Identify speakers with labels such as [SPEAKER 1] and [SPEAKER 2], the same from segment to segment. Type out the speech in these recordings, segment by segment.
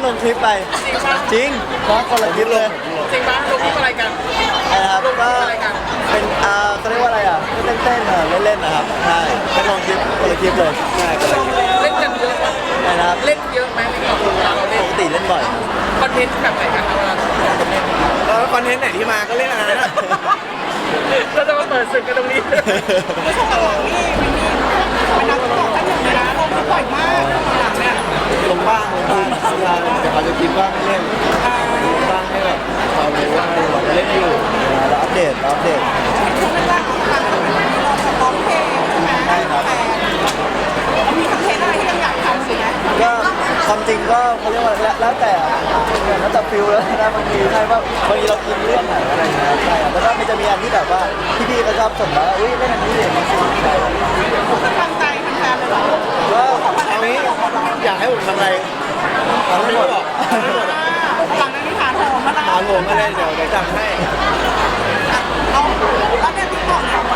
[SPEAKER 1] ลงคลิปไปจริงเพราะคนละคลิปเลย
[SPEAKER 2] จริงปะลงคลิปอะไรกัน
[SPEAKER 1] นะครับก็เป็นเขาเรียกว่าอะไรอ่ะเต้นๆเล่นๆนะครับใช่เป็นลงคลิปคนละคลิปเลยใช่
[SPEAKER 2] เล่นกันเยอะปะ
[SPEAKER 1] นะครับ
[SPEAKER 2] เล่นเยอะไหมในกลุ่มเราเล่น
[SPEAKER 1] ปกติเล่นบ่อย
[SPEAKER 2] คอนเทนต์แบบไหนกันเวลาเล่น
[SPEAKER 3] คอนเทนต์ไหนที่มาก็เล่นอะไรนะ
[SPEAKER 2] เราจะมาเปิดศึกกันตรงนี้
[SPEAKER 4] ไม่ใช่หรอกนี่เป็นนักตกกันอยู่นะลงบ่อยมากหลังเนี่ย
[SPEAKER 1] ลงบ้างเดี๋ยวเขาจะคิดว่าไม่เล่นลงบ้างให้แบบเขารู้ว่าเราเล่นอยู่เราอัปเดต
[SPEAKER 4] ไม่ว่าการร้องเพลงใช่ไหมแต่มีคอนเทนต์อะไรที่ยังอยากทำสิไหม
[SPEAKER 1] ก็ความจริงก็เขาเรียกว่าแล้วแต่ฟิลแล้วนะบางทีใช่ว่าบางทีเรากินเรื่องไหนอะไรอย่างเงี้ยใช่แล้วก็มันจะมีอันที่แบบว่าพี่ๆเขาชอบส่งมาอุ้ยเล่นอันนี้เลยมันสิใช่
[SPEAKER 4] ตั้งใจแฟนๆเลยเหรอ
[SPEAKER 1] ก็เอางี้อยากให้ผมทำอะไรทำไม่หมด
[SPEAKER 4] หลังจากนี้ฐานโหมมาแล้ว
[SPEAKER 1] ถามผมมาเลยเดี๋ยวจัดให้
[SPEAKER 4] เอาแล้วเนี่ยที่ก่อนเนี่ย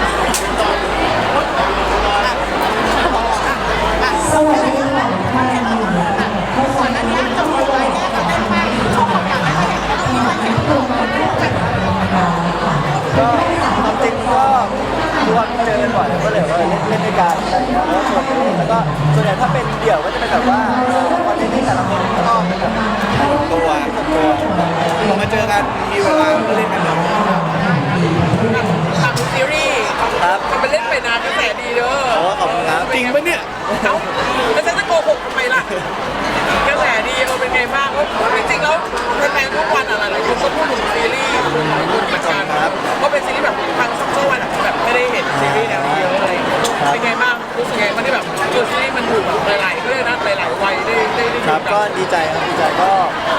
[SPEAKER 4] สวัสดีค่ะก่อนหน้านี้จบเลยแยกกันได้ไหมช่วงของการไม่เห็นก็มีมาเห็นกลุ่มคนที่เป็น
[SPEAKER 1] ก็ความจริงก็ทุกวันเจอกันบ่อยก็เลยว่าเล่นด้วยกันอะไรอย่างเงี้ยแล้วชวนเล่นแล้วก็ส่วนใหญ่ถ้าเป็นเดี่ยวก็จะเป็นแบบว่าวันนี้ที่แต่ละคนก็เป็นแบบ
[SPEAKER 3] ตัวพอมาเจอกันมีเวลาก็เล่นกันหน่อย
[SPEAKER 2] ทำซีรีส์
[SPEAKER 1] ครับ
[SPEAKER 2] ทำเป็นเล่นไปนานกระแสดีเด้อ
[SPEAKER 1] ขอบคุณครับ
[SPEAKER 3] จริงปะเนี่ย
[SPEAKER 2] เอ้าแล้วฉันจะโกหกทำไมล่ะกระแสดีเป็นไงบ้างจริงๆแล้วแฟนๆทุกวันอะไรคนก็พูดถึงซีรีส์คุณหลายคนเหมือนกันเพราะเป็นซีรีส์แบบทางซัมเมอร์วันแบบไม่ได้เห็นซีรีส์แนวนี้เยอะอะไรเป็นไงบ้างรู้สึกไงมันที่แบบซีรีส์มันถูกหลายๆก็เลยนะหลายๆวัยได้
[SPEAKER 1] ครับก็ดีใจครับดีใจก็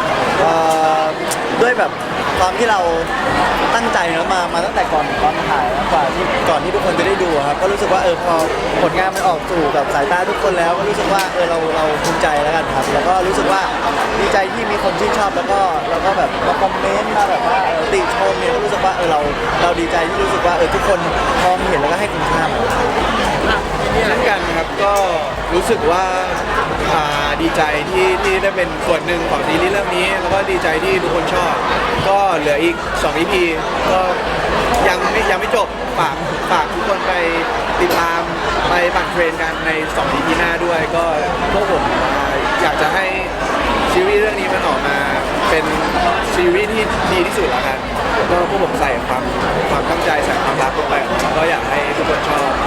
[SPEAKER 1] ด้วยแบบความที่เราตั้งใจนะมาตั้งแต่ก่อนถ่ายกว่าที่ก่อนที่ทุกคนจะได้ดูครับก็รู้สึกว่าพอผลงานมันออกสู่กับสายตาทุกคนแล้วก็รู้สึกว่าเราภูมิใจแล้วกันครับแล้วก็รู้สึกว่าดีใจที่มีคนชื่นชอบแล้วก็แบบมาคอมเมนต์มาแบบว่าติชมเนี่ยก็รู้สึกว่าเราดีใจที่รู้สึกว่าทุกคนมองเห็นแล้วก็ให้คุณค่า
[SPEAKER 3] เช่นกันครับก็รู้สึกว่าดีใจที่ได้เป็นส่วนหนึ่งของซีรีส์เรื่องนี้แล้วก็ดีใจที่ทุกคนชอบก็เหลืออีก2 EP ก็ยังไม่จบฝากทุกคนไปติดตามไปปั่นเทรนกันใน2 EP หน้าด้วยก็พวกผมอยากจะให้ซีรีส์เรื่องนี้มันออกมาเป็นซีรีส์ที่ดีที่สุดแล้วกันก็พวกผมใส่ความตั้งใจใส่ความรักลงไปก็อยากให้ทุกคนชอบ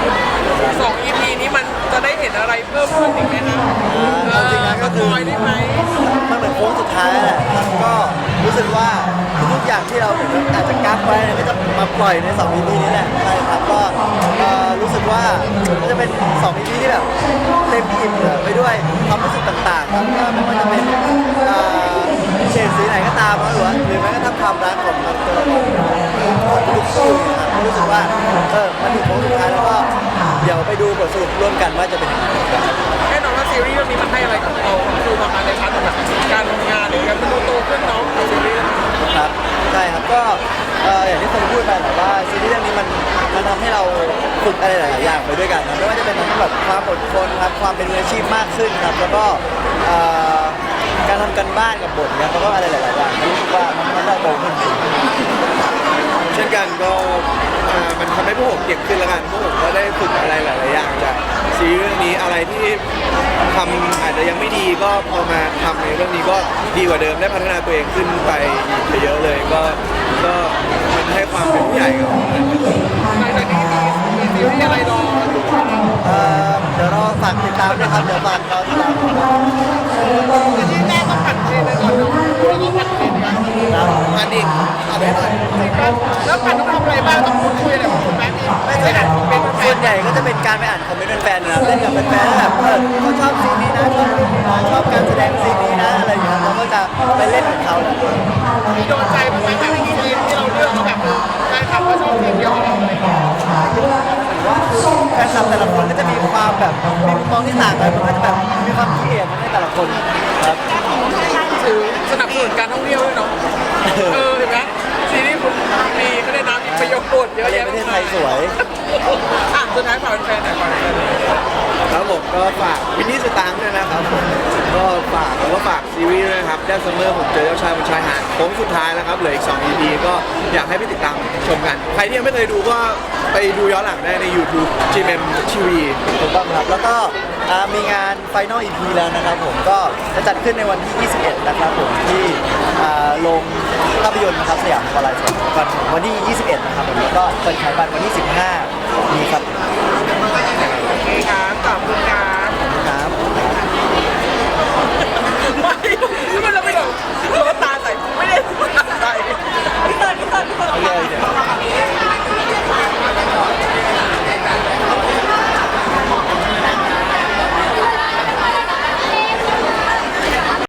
[SPEAKER 2] 2 EP นี้มันจะได้เห็นอะไรเพิ่มขึ้นอีกไหมนะ
[SPEAKER 1] จริงๆนะก็คือ
[SPEAKER 2] ได้ไหม
[SPEAKER 1] มันเหมือนโค้งสุดท้ายแหละก็รู้สึกว่าทุกอย่างที่เราอาจจะกักไว้ก็จะมาปล่อยใน2 EP นี้แหละใช่ครับก็รู้สึกว่ามันจะเป็น2 EP ที่แบบเต็มอิ่มไปด้วยความรู้สึกต่างๆครับไม่ว่าจะเป็นเฉดสีไหนก็ตามหรือแม้กระทั่งความรักของตัวทุกคู่นะครับรู้สึกว่ามันถึงโค้งสุดท้ายแล้วก็เดี๋ยวไปดูบทสรุปร่วมกันว่าจะเป็นยังไง
[SPEAKER 2] แน่นอนว่าซีรีส์เรื่องนี้มันให้อะไรกับเราคือประมาณในพาร์ทแบบการทำงานหรือการเป็นโตขึ้นเนาะกับซีรีส์
[SPEAKER 1] ครับใช่ครับก็อย่างที่คนพูดไปแหละว่าซีรีส์เรื่องนี้มันทำให้เราฝึกอะไรหลายๆอย่างไปด้วยกันนะไม่ว่าจะเป็นทั้งแบบความอดทนครับความเป็นมืออาชีพมากขึ้นครับแล้วก็การทำกันบ้านกับบทเนี่ยแล้วก็อะไรหลายๆอย่างรู้สึกว่ามันได้โตขึ้น
[SPEAKER 3] เช่นกันก็มันทำให้พวกผมเก่งขึ้นแล้วกันพวกผมก็ได้ฝึกอะไรหลายๆอย่างจากซีรีส์เรื่องนี้อะไรที่ทำอาจจะยังไม่ดีก็พอมาทำในเรื่องนี้ก็ดีกว่าเดิมได้พัฒนาตัวเองขึ้นไปเยอะเลยก็มันให้ความเป็นผู้ใหญ่กับผม
[SPEAKER 2] หลังจากนี้มีซีรีส์อะไรรอ
[SPEAKER 1] เดี๋ยวรอฝากติดตามนะครับเดี๋ยวฝากรอติดตาม
[SPEAKER 2] ที่แม่ต้องผัดเทรนเลยก่อนแล้วก็ผัดเทรนกัน
[SPEAKER 3] อันนี้เอาไปหน่อย
[SPEAKER 2] แล้วผัดต้องทำอะไรบ้างต้องพูดคุยอะไรกับคุณแม่ไม่ได้เป็น
[SPEAKER 1] ส่วนใหญ่ก็จะเป็นการไปอ่านคอมเมนต์แฟนๆนะเล่นกับแฟนๆแบบเขาชอบซีนนี้นะชอบซีนนี้นะชอบการแสดงซีนนี้นะอะไรอย่างเงี้ยเราก็จะไปเล่นกับเขาแหละ
[SPEAKER 2] มีโดนใจบ้างไหมแบบซีนที่เราเลือกเขาแบบแฟนคลับก็ชอบซีนเดียวกับเราอะไรอย่างเงี้ย
[SPEAKER 1] ว่าแฟนคลับแต่ละคนก็จะมีความแบบมีมุมมองที่ต่างกันมันก็จะแบบมีความคิดเห็นในแต่ละคนครับ
[SPEAKER 2] ถือสนับสนุนการท่องเที่ยวด้วยเนาะเห็นไหมซีรีส์คุณมีก็ได้น้ำมีประโยชน์เยอะแยะ
[SPEAKER 1] ประเทศไทยสวย
[SPEAKER 2] สุดท้ายฝากแฟนหน่อยฝากแฟน
[SPEAKER 3] ครับผมก็ฝากวินนี่สตางค์ด้วยนะครับผมก็ฝากซีรีส์ด้วยนะครับแดนซัมเมอร์ผมเจอเจ้าชายบนชายหาดโค้งสุดท้ายแล้วครับเหลืออีก2 EP ก็อยากให้ไปติดตามชมกัน ใครที่ยังไม่เคยดูก็ไปดูย้อนหลังได้ใน YouTube GMM TV
[SPEAKER 1] ถูกต้องครับแล้วก็มีงาน Final EP แล้วนะครับผมก็จะจัดขึ้นในวันที่ 21 นะครับผมที่โรงภาพยนตร์นะครับสยามพารากอนวันที่ 21 นะครับผมแล้วก็เปิดขายบัตรวันที่ 15 นี้ครับ